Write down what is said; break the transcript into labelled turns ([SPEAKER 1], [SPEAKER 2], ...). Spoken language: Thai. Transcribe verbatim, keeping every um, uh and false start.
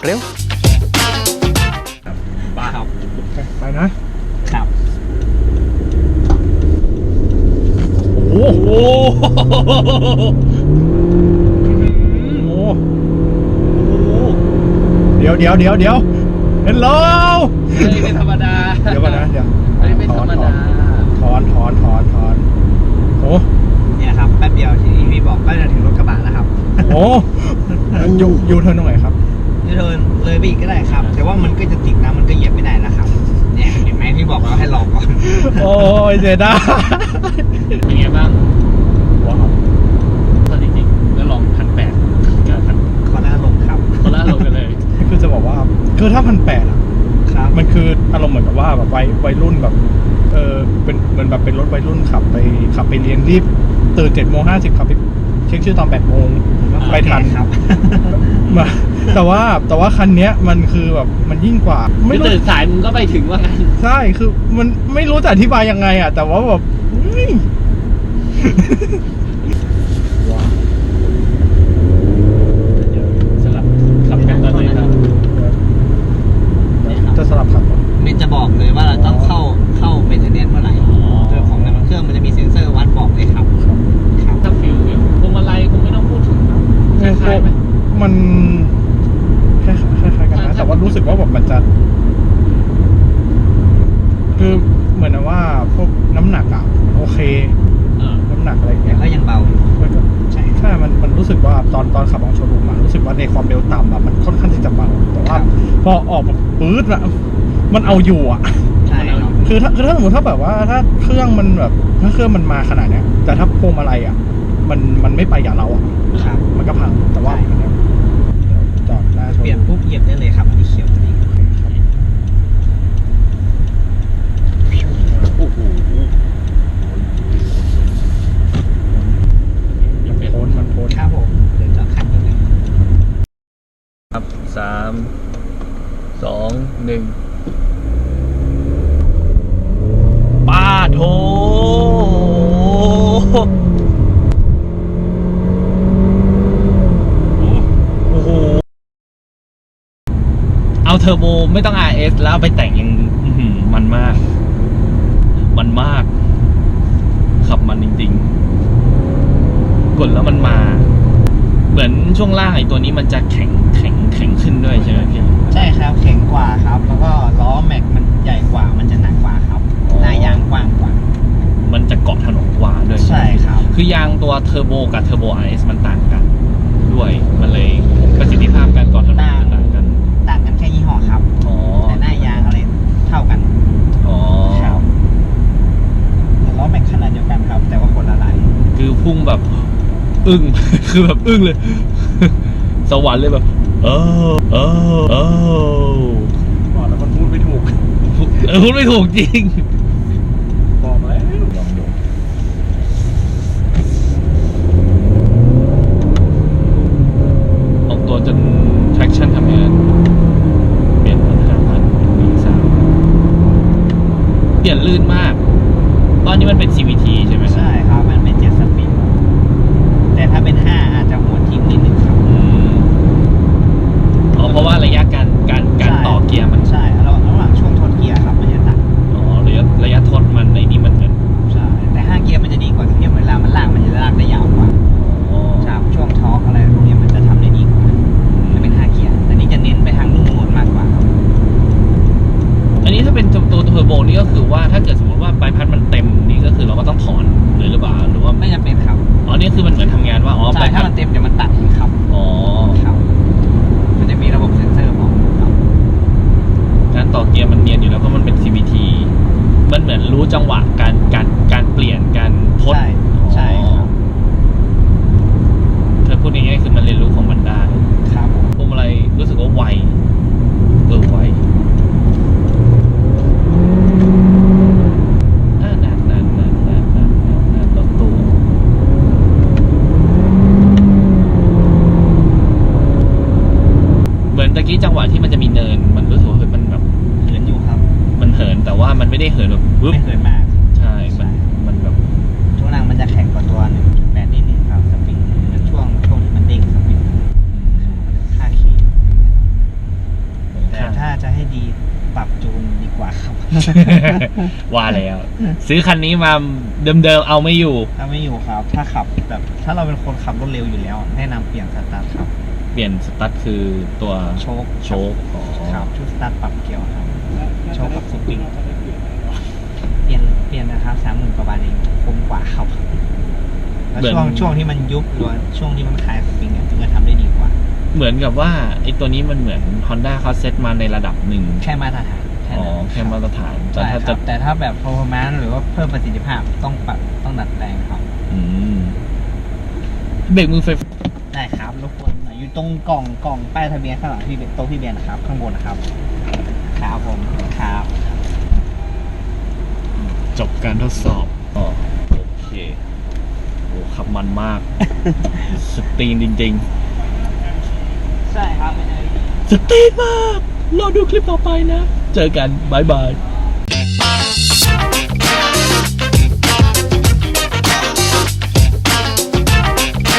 [SPEAKER 1] เร็ว
[SPEAKER 2] บ้าครับ
[SPEAKER 3] ไปนะครับโอ้โหโอ้เดี๋ยวเดี๋ยวเดี๋ยวเดี๋ยวเฮลโหล
[SPEAKER 2] ไม่ธรรมดา
[SPEAKER 3] เดี๋ยวก่อนนะเดี๋ยว
[SPEAKER 2] ไม่ธรรมดา
[SPEAKER 3] ถอนถอนถอนถอนโอ้
[SPEAKER 2] เนี่ยครับแป๊บเดียวที่พี่บอกก็จะถึงรถกระบะแล้วครับ
[SPEAKER 3] โอ้ยูยูเทิร์นตรงไหนครับ
[SPEAKER 2] ยูเทิร์นเลยไปอีกก็ได้ครับแต่ว่ามันก็จะติดนะมันก็เหยียบไม่ได้นะครับเนี่ยเห็นไหมพี่บอกแล้วให้รอก่อน
[SPEAKER 3] โอ้ยเสียดาย
[SPEAKER 2] เป็นไงบ้าง
[SPEAKER 3] ว้าว
[SPEAKER 2] ก็จริงๆแล้วลองพันแปดกับพันคอล่าลงครับคอล่าลงกันเลย
[SPEAKER 3] คือจะบอกว่าคือถ้าพันแปดอ่ะมันคืออารมณ์เหมือนกับว่าแบบวัยวัยรุ่นแบบเออเป็นเหมือนแบบเป็นรถวัยรุ่นขับไปขับไปเรียนรีบตื่นเจ็ดโมงห้าสิบขับไปเช็คชื่อตอนแปดโมงไปทันครับมาแต่ว่าแต่ว่าคันนี้มันคือแบบมันยิ่งกว่า
[SPEAKER 2] ไม่ตื่นสายมึงก็ไปถึงว่างั้น
[SPEAKER 3] ใช่คือมันไม่รู้จะอธิบายยังไงอ่ะแต่ว่าแบบ
[SPEAKER 2] สลับขับกันตอนนี้ครับ
[SPEAKER 3] จะสลับขับ
[SPEAKER 2] เมนจะบอกเลยว่าเราต้องเข้าเข้าเมนเทนเนนซ์เมื่อไหร่โดยของในเครื่องมันจะมีเซ็นเซอร์วัดบอกเลยครับครับถ้าฟิลพวงมาลัยคงไม่ต้องพูดถึงครับคล้ายๆไหม
[SPEAKER 3] มันคล้ายๆกันนะแต่ว่ารู้สึกว่าแบบมันจะคือเหมือนว่าพวกน้ำหนักอ่ะโอเคน้ำหนักอะไรอย่างเงี้ย
[SPEAKER 2] ก็ยังเบาอยู่
[SPEAKER 3] ใช่ใช่มันมันรู้สึกว่าตอนตอนขับออกโชว์รูมมารู้สึกว่าในความเร็วต่ำอ่ะมันค่อนข้างที่จะเบาแต่ว่าพอออกแบบปื๊ดอ่ะมันเอาอยู่อ่ะ
[SPEAKER 2] ใช่ครับ
[SPEAKER 3] คือถ้าคือถ้าสมมติถ้าแบบว่าถ้าเครื่องมันแบบถ้าเครื่องมันมาขนาดเนี้ยแต่ถ้าพวงมาลัยอ่ะมันมันไม่ไปอย่างเราอ่ะมันก็พังแต่ว่าจอดหน้า
[SPEAKER 2] เปลี่ยนปุ๊บเหยียบได้เลยครับอันนี้เขียวตัวนี้โอ้โห
[SPEAKER 3] มันโพ้นมันโพ้น
[SPEAKER 2] ครับผมเดี๋ยวจอดคันนี้เลย
[SPEAKER 1] ครับสามสองหนึ่งป้าโถโอ้โหเอาเทอร์โบไม่ต้อง อาร์ เอส แล้วไปแต่งยังมันมากมันมากขับมันจริงๆกดแล้วมันมาเหมือนช่วงล่างไอ้ตัวนี้มันจะแข็งแข็งแข็งขึ้นด้วยใช่ไหมพี่
[SPEAKER 2] ใช่ครับแข็งกว่าครับแล้วก็ล้อแม็กมันใหญ่กว่ามันจะหนักกว่าครับหน้ายางกว้างกว่า
[SPEAKER 1] มันจะเกาะถนนกว่าด้วย
[SPEAKER 2] ใช่ครับ
[SPEAKER 1] คือยางตัวเทอร์โบกับเทอร์โบ อาร์ เอส มันต่างกันด้วยมันเลยประสิทธิภาพการเกาะถนนต่างกัน
[SPEAKER 2] ต่างกันแค่ยี่ห้อครับแต่หน้ายางอะไรเท่ากัน
[SPEAKER 1] อ๋อ
[SPEAKER 2] ครับแต่ล้อแม็กขนาดเดียวกันครับแต่ว่าคนละลาย
[SPEAKER 1] คือพุ่งแบบอึ้งคือแบบอึ้งเลยสวรรค์เลยแบบเออเออเออ
[SPEAKER 3] บอกแล้วมันพูดไม่ถูก
[SPEAKER 1] พูดไม่ถูกจริง
[SPEAKER 3] บอกแล้วลองดู
[SPEAKER 1] ออกตัวจน traction ทำงานเปลี่ยนพันห้าพันเป็น วี สาม เปลี่ยนลื่นมากตอนนี้มันเป็น ซี วี ที ใช่ไหม
[SPEAKER 2] ใช่ครับมันเป็นเจ็ดสปีดแต่ถ้าเป็นห้าอาจจะหัวทิ่มนิดนึงครับ
[SPEAKER 1] อ๋อเพราะว่าระยะการการการต่อเกียร์มัน
[SPEAKER 2] ใช่ระหว่างระหว่างช่วงทดเกียร์ครับมันจะต่าง
[SPEAKER 1] อ๋อระยะระยะทดมันในนี้มันเป็น
[SPEAKER 2] ใช่แต่ห้าเกียร์มันจะดีกว่าตรงที่เวลามันลากมันจะลากได้ยาวกว่าใช่ช่วงทอร์กอะไรพวกนี้มันจะทำได้ดีกว่าจะเป็นห้าเกียร์แต่นี้จะเน้นไปทางนุ่มนวลมากกว่าครับ
[SPEAKER 1] อันนี้ถ้าเป็นตัวเทอร์โบนี่ก็คือว่าถ้าเกิดสมมติว่าใบพัดมันเต็มนี่ก็คือเราก็ต้องถอนเลยหรือเปล่าหรือว่า
[SPEAKER 2] ไม่จำเป็นครับ
[SPEAKER 1] อ๋อนี่คือมันเหมือนทำงานว่าอ๋อ
[SPEAKER 2] ใช่ถ้ามันเต็มเดี๋ยวมันตัดเองครับ
[SPEAKER 1] อ๋อ
[SPEAKER 2] ครับมันจะมีระบบเซ็นเซอร์บอกครับ
[SPEAKER 1] การต่อเกียร์มันเนียนอยู่แล้วเพราะมันเป็น ซี วี ที มันเหมือนรู้จังหวะการการการเปลี่ยนการทด
[SPEAKER 2] ใช่ใช่ครับ
[SPEAKER 1] เธอพูดง่ายๆคือมันเรียนรู้ของมันได้
[SPEAKER 2] ครับ
[SPEAKER 1] พวงมาลัยรู้สึกว่าไวเออไวตะกี้จังหวะที่มันจะมีเนินมันรู้สึกว่ามันแบบ
[SPEAKER 2] เหินอยู่ครับ
[SPEAKER 1] มันเหินแต่ว่ามันไม่ได้เหินแบบ
[SPEAKER 2] ไม่เหินมาก
[SPEAKER 1] ใช่มันมันแบบ
[SPEAKER 2] ช่วงล่างมันจะแข็งกว่าตัว หนึ่งจุดแปด นิดนึงครับสปริงช่วงช่วงที่มันเด้งสปริงค่าขี่
[SPEAKER 1] ว่าแล้ว ซื้อคันนี้มาเดิมๆเอาไม่อยู่
[SPEAKER 2] ถ้าไม่อยู่ครับ ถ้าขับแบบถ้าเราเป็นคนขับรถเร็วอยู่แล้ว แนะนำเปลี่ยนสตาร์ทครับ
[SPEAKER 1] เปลี่ยนสตาร์ทคือตัว
[SPEAKER 2] โชค
[SPEAKER 1] โชคอ๋อ
[SPEAKER 2] ครับชุดสตาร์ทปรับเกียร์ครับ โชคกับสปริงเปลี่ยนเปลี่ยนนะครับสามหมื่นกว่าบาทเองคุ้มกว่าครับแล้วช่วงช่วงที่มันยุบหรือว่าช่วงที่มันคลายสปริงเนี่ยถึงจะทำได้ดีกว่า
[SPEAKER 1] เหมือนกับว่าไอ้ตัวนี้มันเหมือน Honda เขาเซตมาในระดับหนึ่ง
[SPEAKER 2] แค่มาตรฐานแค่
[SPEAKER 1] อ๋อ
[SPEAKER 2] นั้น
[SPEAKER 1] แค่มาตรฐาน แต่
[SPEAKER 2] ใช่
[SPEAKER 1] ถ้า
[SPEAKER 2] ค
[SPEAKER 1] จะ
[SPEAKER 2] รับแต่ถ้าแบบ performance หรือว่าเพิ่มประสิทธิภาพต้องปรับต้องดัดแปลงครับ
[SPEAKER 1] อืมเบรกมือไฟฟ้า
[SPEAKER 2] ได้ครับรบกวนหน่อยอยู่ตรงกล่องกล่องป้ายทะเบียนข้างหลังพี่เบนโต๊ะพี่เบนนะครับ ข้างบนนะครับครับผมครับ
[SPEAKER 1] จบการทดสอบอ๋อโอเคโอ้ขับมันมาก สตรีนจริง
[SPEAKER 2] ใช่ครับเป็นไง
[SPEAKER 1] ๆ สตรีนมาก รอดูคลิปต่อไปนะ เจอกัน บ๊ายบาย